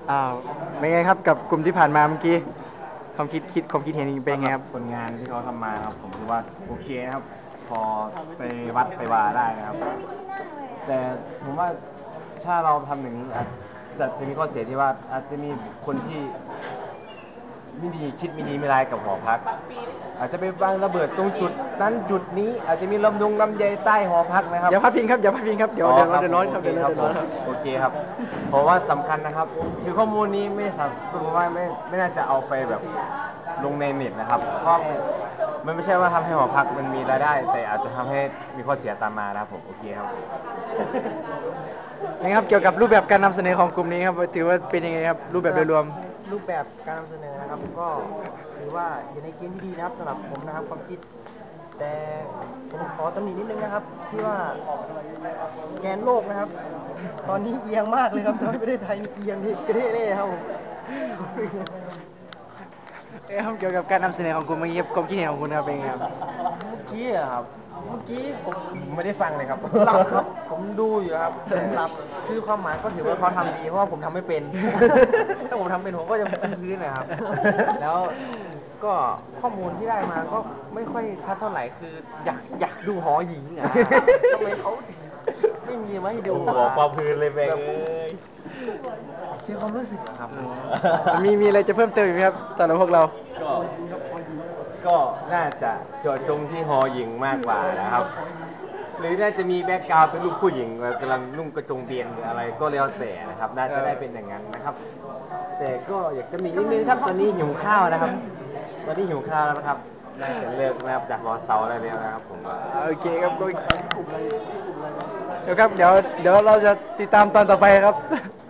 อ้าวเป็นไงครับกับกลุ่มที่ผ่านมาเมื่อกี้ความคิดเห็นเป็นไงครับผลงานที่เขาทำมาครับผมคิดว่าโอเคนะครับพอไปวัดไปวาได้นะครับแต่ผมว่าถ้าเราทำอย่างนี้อาจจะมีข้อเสียที่ว่าอาจจะมีคนที่ไม่ดีคิดไม่ดีไม่ร้ายกับหอพักอาจจะไปวางระเบิดตรงจุดนั้นจุดนี้อาจจะมีลำใยใต้หอพักนะครับอย่าพัดพิงครับอย่าพัดพิงครับเดี๋ยวเราจะร้อนครับเดี๋ยวเราจะร้อนครับโอเคครับเพราะว่าสำคัญนะครับคือข้อมูลนี้ไม่สามผมว่าไม่น่าจะเอาไปแบบลงในเน็ตนะครับเพราะมันไม่ใช่ว่าทำให้หอพักมันมีรายได้แต่อาจจะทำให้มีข้อเสียตามมานะครับผมโอเคครับนะครับเกี่ยวกับรูปแบบการนำเสนอของกลุ่มนี้ครับถือว่าเป็นยังไงครับรูปแบบโดยรวมรูปแบบการนำเสนอนะครับก็ถือว่าอยู่ในเกณฑ์ที่ดีนะครับสำหรับผมนะครับความคิดแต่ผมขอตำหนินิดนึงนะครับที่ว่าแกนโลกนะครับ ตอนนี้เอียงมากเลยครับตอนประเทศไทยเอียงที่กระเทเล่ครับผมเกี่ยวกับการนำเสนอของกลุ่มเมื่อกี้ความคิดเห็นของคุณครับเป็นไงครับเมื่อกี้อะครับเมื่อกี้ผมไม่ได้ฟังเลยครับหลับครับผมดูอยู่ครับหลับคือความหมายก็ถือว่าเขาทำดีเพราะว่าผมทำไม่เป็น ถ้าผมทำเป็นผมก็จะพื้นนะครับ แล้วก็ข้อมูลที่ได้มาก็ไม่ค่อยชัดเท่าไหร่คืออยากดูหอหญิงอ่ะ ทำไมเขาถึงไม่มีมาให้ดูหัวปลาพื้นเลยแม่งเสียความรู้สึกครับมีอะไรจะเพิ่มเติมอีกไหมครับสำหรับพวกเราก็น่าจะเจาะจงที่หอหญิงมากกว่านะครับ หรือน่าจะมีแบ็กกราวด์เป็นรูปผู้หญิงกำลังนุ่งกระโจงเบียนหรืออะไรก็แล้วแต่นะครับ น่าจะได้เป็นอย่างนั้นนะครับ แต่ก็อยากจะมีนิดนึงครับตอนนี้หิวข้าวนะครับตอนนี้หิวข้าวแล้วนะครับน่าจะเลิกนะครับจากรอเสาร์แล้วนะครับผมโอเคครับก็เดี๋ยวครับเดี๋ยวเราจะติดตามตอนต่อไปครับ